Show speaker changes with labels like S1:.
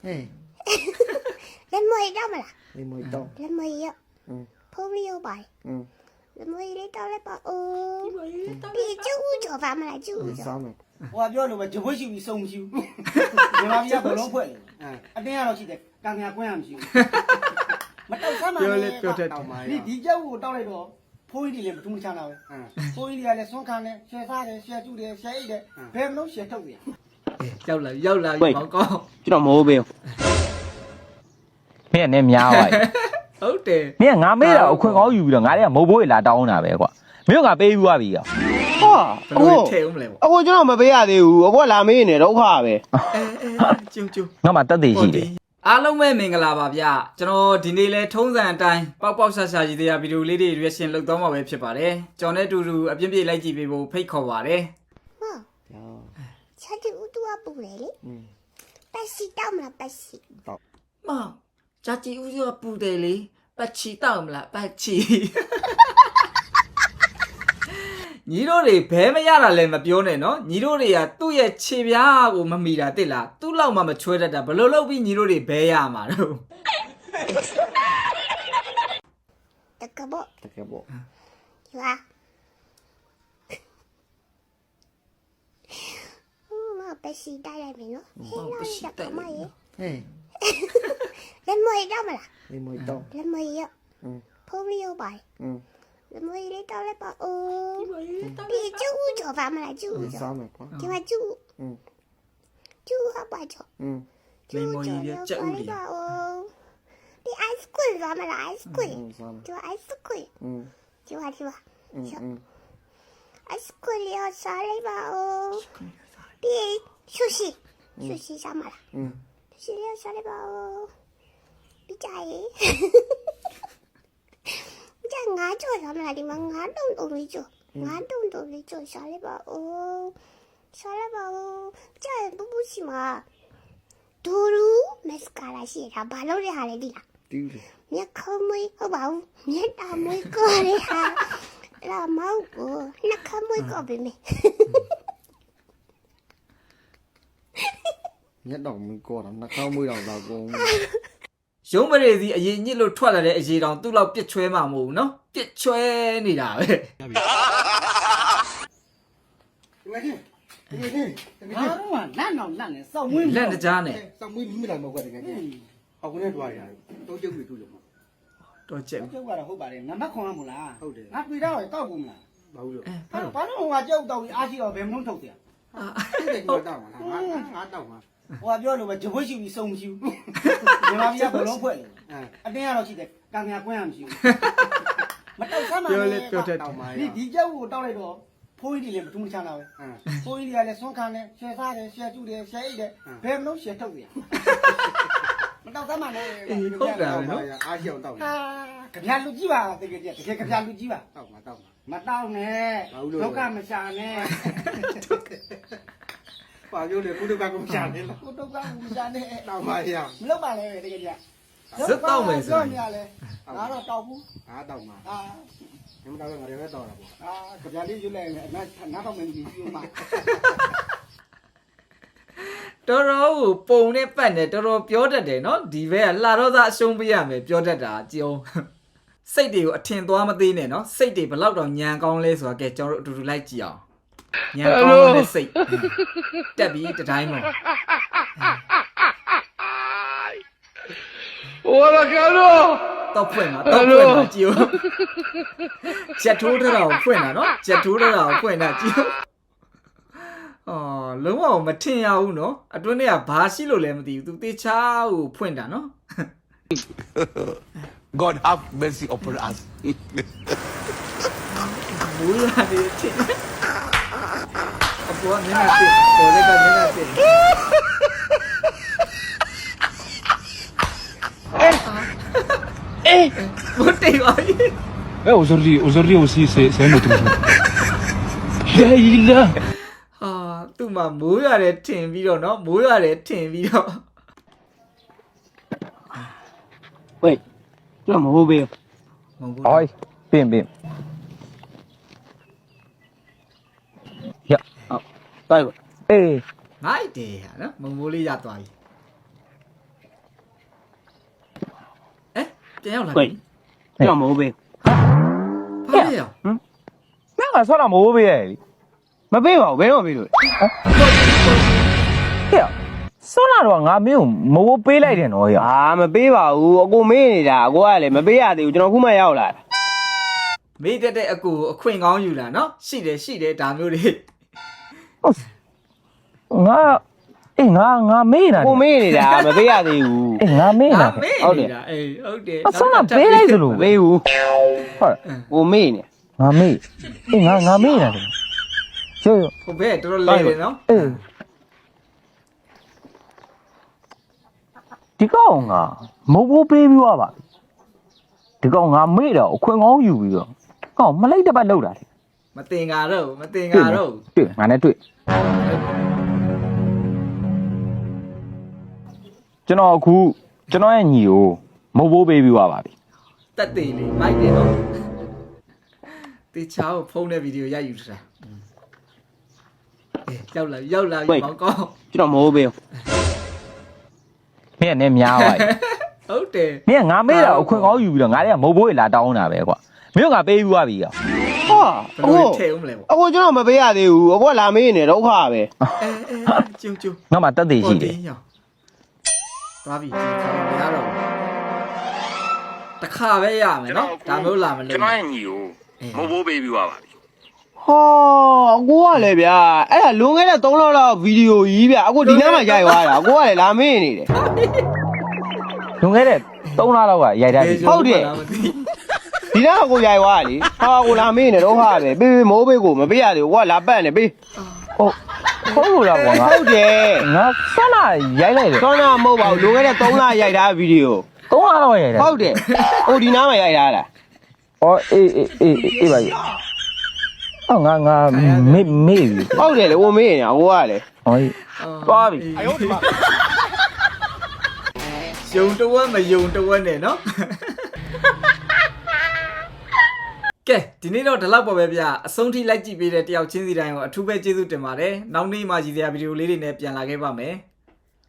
S1: လက်မွေတော့မလား
S2: လေးမွေတော့
S1: လက်မွေရဖိုးရီရောပါလက်မွေလေးတော့လည်းပါအိုးဒီကျူးကြော်ပါမလားကျူးကြော်
S2: စားမယ်
S3: ဟိုကပြောလို့ပဲဂျပွတ်ရှိပြီးစုံမရှိဘူးမြန်မာပြည်ကဘလုံးဖွဲ့တယ်အတင်းကတော့ရှိတယ်ကံညာကွင်းရမရှိဘူးမတောက်ဆမ်းပါနဲ့ဒီကြောက်ကိုတောက်လိုက်တော့ဖိုးကြီးတွေလည်းမထူးမချမ်းတာပဲဖိုးကြီးတွေကလည်းဆွန့်ခံတယ်ရှယ်စားတယ်ရှယ်ကျူတယ်ရှယ်အိတ်တယ်ဘယ်မလို့ရှယ်ထုတ်တယ်
S4: ရောက်လာမောင်ကောင်း
S5: ကျွန်တော်မဟုတ်ဘူးမင်းကလည်းများပါ
S4: ဟုတ်တယ်
S5: မင်းကငါမေးတာအခွင့်ကောင်းယူပြီးတော့ငါတွေကမဟုတ်ဘူးလာတောင်းတာပဲကွာမင်းကငါပေးပြီးသွားပြီကွာ
S4: ဘယ်လိုထဲဦးမလဲပေါ့
S2: အခုကျွန်တော်မပေးရသေးဘူးအခုလာမေးနေဒုက္ခပဲ
S4: ကျုံ
S5: ငါမှတက်သေးရှိတယ်
S4: အားလုံးပဲမင်္ဂလာပါဗျကျွန်တော်ဒီနေ့လဲထုံးစံအတိုင်းပေါက်ပေါက်ဆာဆာကြီးတရားဗီဒီယိုလေးတွေ reaction လုပ်သွားမှာပဲဖြစ်ပါတယ်ကျွန်တော်နဲ့အတူတူအပြင်းပြေးလိုက်ကြည့်ပေးဖို့ဖိတ်ခေါ်ပါတယ်
S1: ချက်တူတူအပူလေလေပတ်စီတော့မလားပတ်စီ
S4: မောင်ဂျာကြီးဦးရောပူတယ်လေပတ်ချီတောက်မလားပတ်ချီညီတို့တွေဘဲမရတာလည်းမပြောနဲ့နော်ညီတို့တွေကသူ့ရဲ့ခြေပြားကိုမမီတာတိလားသူ့လောက်မှမချွဲတတ်တာဘယ်လိုလုပ်ပြီးညီတို့တွေဘဲရမှာတော့
S1: တကဘော
S2: တကယ်ပေါ့
S1: ယူဟာမပတ်စီတိုက်လိုက်ပြီနော်ဟဲ့လောက်တကမရေ လက်မွေတော့မလား
S2: လေးမွေတော့
S1: လက်မွေရဖိုးရီရောပါလက်မွေလေးတော့လည်းပါအိုးဒီကျူးကြော်ပါမလားကျူးကြော်
S2: စားမယ်ကွာ
S1: ဒီမှာကျူးကျူးအပါကြော်
S4: လိမ္မော်ကြီးပြကြက်ဦးလေး
S1: ဒီ ice cream ပါမလား ice cream
S2: စားမယ်
S1: ဒီ ice cream ဒီမှာice cream လေးစားလိုက်ပါဦးဒီ sushi စားမလားsushi လေးစားလိုက်ပါဦးဒီကြိုင်ကြငါကြော်စားမလားဒီမှာငါတုံတုံလေးကြော်ငါတုံတုံလေးကြော်စားလိုက်ပါဦးစားလိုက်ပါဦးကြပူပူစီမှာဒူရူမက်စကာလာရှိတာဘာလို့လဲဟာလဲဒီလား
S2: တူးလေ
S1: မြက်ခုံးမွေးဟုတ်ပါဘူးမြက်တာမွေးကိုလေဟာလာမောက်ကိုနှက်ခမွေးကိုပဲမေ
S2: ညက်တော့မင်းကောတာနှာခေါင်းမွေးတော့တော့ကုန်
S4: ရုံးပရိသီအရင်ညစ်လို့ထွက်လာတဲ့အရေးတောင်သူ့လောက်ပြစ်ချွဲမှာမဟုတ်ဘူးနော်ပြစ်ချွဲနေတာပဲ
S3: ဒီနေ့ငါတို့ကလန့်အောင်လန့်နေစောက်မွေး
S4: လက်တကြားနဲ့
S2: စောင်းမွေးမိတာမဟုတ်ဘူးတကယ်အခုနဲ့တွားရတယ်တော့ကျုပ်တွေတူလို့
S4: တော့ကျက်
S3: ကျုပ်ကတော့ဟုတ်ပါတယ်နံပါတ်ခွန်ရမို့လားဟုတ်တယ်ငါပြေတော့တောက်ဘူးမလား
S2: ဘာလို့လဲ
S3: ဘာလို့ဟိုကကျုပ်တောက်ပြီးအားရှိတော့ဘယ်မလို့ထုတ်တယ်
S2: အဲ့ဒါတော့မှာငါတော့မှာ
S3: ဟိုကပြောလို့ပဲဂျပွတ်ရှိပြီးစုံမရှိဘူးမြန်မာပြည်ကဘလုံးဖွဲ့တယ်အတင်းကတော့ရှိတယ်ကံညာကွင်းရမရှိဘူးမတောက်ဆမ်းပါနဲ့ဒီကြောက်ကိုတောက်လိုက်တော့ဖိုးကြီးတွေလည်းမထူးမချမ်းတာပဲဖိုးကြီးတွေကလည်းဆွန့်ခံတယ်ရှယ်စားတယ်ရှယ်ကျူတယ်ရှယ်အိတ်တယ်ဘယ်မလို့ရှယ်ထုတ်တယ်မတောက်ဆမ်းပါနဲ့
S4: ဟုတ်တာပဲနော်
S2: အားရှိအောင်တောက်တယ်
S3: ကြပြလူကြီးပါတကယ်ကြတကယ်ကြပြလူကြီးပါ
S2: တောက်မှာတောက်မှာ
S3: မတောက်နဲ့ဒုက္ခမရှာနဲ့
S2: ပါပြောလေကုတ္တကကုရှာနေလား
S3: ကိုဒုက္ခမရှာနဲ့
S2: တောက်ပါရ
S3: မလုပ်ပါနဲ့တကယ်ကြ
S4: ဇက်တောက်မယ်ဆို
S3: ပြော
S4: ရင်
S3: နေရလဲငါတော့တောက်ဘူး
S2: ငါတောက်မှာ
S3: အာ
S2: ညမတောက်တော့ငါလည်းတောက်တာပေါ့
S3: ကြပြလေးယူလိုက်ငါတော့မင်းကြီးယူမှာ
S4: တော်တော်ကိုပုံနဲ့ပတ်နဲ့တော်တော်ပြောတတ်တယ်နော်ဒီဘက်ကလှတော့သားအရှုံးပေးရမယ်ပြောတတ်တာကြုံစိတ်တွေကိုအထင်သွားမသေးနဲ့နော်စိတ်တွေဘလောက်တော့ညံကောင်းလဲဆိုတာကဲကျွန်တော်တို့အတူတူလိုက်ကြည့်အောင်ညံကောင်းတဲ့စိတ်တက်ပြီးတတိုင်းပေါ့
S5: Hola cabrón
S4: တော့ဖွင့်တာကြည့်ဦးချက်ထိုးထတာကိုဖွင့်တာနော်ချက်ထိုးထတာကိုဖွင့်တာကြည့်ဦးအော်လုံးဝမထင်ရဘူးနော်အတွင်းထဲကဘာရှိလို့လဲမသိဘူးသူတေချာကိုဖွင့်တာနော်
S6: God have mercy upon us.
S4: ဘူးလာနေတယ်အပေါ်ကမျက်နှာတင်ပေါ်လက်ကမျက်နှာတင်ဘုတ်တေးပါကြီး
S6: Aujourd'hui aussi, c'est un autre jour. Là,
S4: ဟာသူ့မှာမိုးရတယ်ထင်ပြီးတော့နော်မိုးရတယ်ထင်ပြီးတော့
S5: 喂ကျွန်တော်မဟုတ်ဘူး
S4: မဟုတ်ဘူး
S5: oi ပြင်ရတိုက်ပါအေး
S4: ငိုက်တယ်ဟာနော်မုံမိုးလေးရသွားပြီပြန်ရောက်လာ
S3: 喂
S4: ပြီ
S3: ကျွန်တော်မဟုတ်ပဲ
S4: ဘာလဲရော
S5: မင်းကဆောက်တာမိုးပေးရဲ့လေ
S3: မပေးပါဘူးဘယ်တော့မပေးလို့
S5: ဟဲ့ဆောက်လာတော့ငါမင်းကိုမိုးပေးလိုက်တယ်နော်ဟဲ့
S3: အာမပေးပါဘူးအကိုမေးနေတာအကိုကလည်းမပေးရသေးဘူးကျွန်တော်ခုမှရောက်လာတာ
S4: မေးတဲ့အကူအခွင့်ကောင်းယူလာနော်ရှိတယ်ဒါမျိုးတွေ
S5: ငါအေးငါမေးနေတာ
S3: ကိုမေးနေတာမပေးရသေးဘူး
S5: အေးငါမေးနေတာ
S4: မေးနေတာအေးဟုတ်တယ်
S5: အဆောက်တာပေးလိုက်သလို
S3: မပေးဘူး
S5: ဟုတ်
S3: ကိုမေးနေ
S5: ငါမေးအေးငါမေးနေတာလေရိုး
S4: ဟိုဘက်တော်တော်လဲတယ်နော်
S5: အေးဒီကောင်ကမဟုတ်ပေးပြီးသွားပါဒီကောင်ငါမေးတော့အခွင့်ကောင်းယူပြီးတော့ကောင်မလိုက်တပတ်လောက်တာလေ
S4: မတင်ကားတော့
S5: တွေ့ငါနဲ့တွေ့ကျွန်တော်အခုကျွန်တော်ရဲ့ညီကိုမဟုတ်ပေးပြီးသွားပါပြီ
S4: တက်သေးလေးမိုက်တယ်နော်တေချာကိုဖုန်းတဲ့ဗီဒီယိုရိုက်ယူထားအေးရောက်လာပြီမောင်ကောင်း
S3: ကျွန်တော်မဟုတ်ပဲ
S5: မင်းကလည်းများပါပြီ
S4: ဟုတ်တယ်
S5: မင်းကငါမေးတာအခွင့်ကောင်းယူပြီးတော့ငါတွေကမဟုတ်ပေးလာတောင်းတာပဲကွာမင်းကငါပေးပြီးသွားပြီကွာ
S3: ဟာ
S4: ဘယ်လိုထဲဦးမလဲပေါ့
S3: အကိုကျွန်တော်မပေးရသေးဘူးအကိုကလာမေးနေဒုက္ခပဲ
S4: အဲကျုံ
S5: ငါမှတက်သေးရှိတယ်
S4: သွားပြီဒီခါမရတော့တခါပဲရမယ်နော်ဒါမျိုးလာမလို့
S5: ကျွန်တော်ရဲ့ညီကိုမဟုတ်ပေးပြီးသွားပါပြီ
S3: ဟာအကိုကလည်းဗျာအဲ့ဒါလွန်ခဲ့တဲ့3လလောက်ဗီဒီယိုကြီးဗျာအကိုဒီနားမှာရိုက်သွားတာအကိုကလည်းလာမေးနေတယ်
S5: လွန်ခဲ့တဲ့3လလောက်ကရိုက်ထားပြီ
S3: ဒီနားကကိုရိုက်သွားတာလေဟာကိုလာမေးနေဒုက္ခပဲပေးမိုးပေးကိုမပေးရသေးဘူးကိုကလာပတ်နေပေး
S5: ဟုတ်လို့လားကွာငါ
S3: ဟုတ်တယ်
S5: ငါဆက်လာရိုက်လိုက်တယ်
S3: တော့နာမဟုတ်ပါဘူးလွန်ခဲ့တဲ့3လရိုက်ထားဗီဒီယို
S5: 3လလောက်ရိုက်တယ်
S3: ဟုတ်တယ်ဟိုဒီနားမှာရိုက်ထားတာ
S5: ဩအေးပါကြီးအော်ငါမေးပြီ
S3: ဟုတ်တယ်လေဟိုမေးနေတာကိုကလည်း
S5: ဟောသွားပြီ
S4: ယုံတဝက်မယုံတဝက်နဲ့နော်ကဲဒီနေ့တော့ဒီလောက်ပါပဲဗျအဆုံးထိလိုက်ကြည့်ပေးတဲ့တယောက်ချင်းစီတိုင်းကိုအထူးပဲကျေးဇူးတင်ပါတယ်နောက်နေ့မှရည်စရာဗီဒီယိုလေးတွေနဲ့ပြန်လာခဲ့ပါမယ်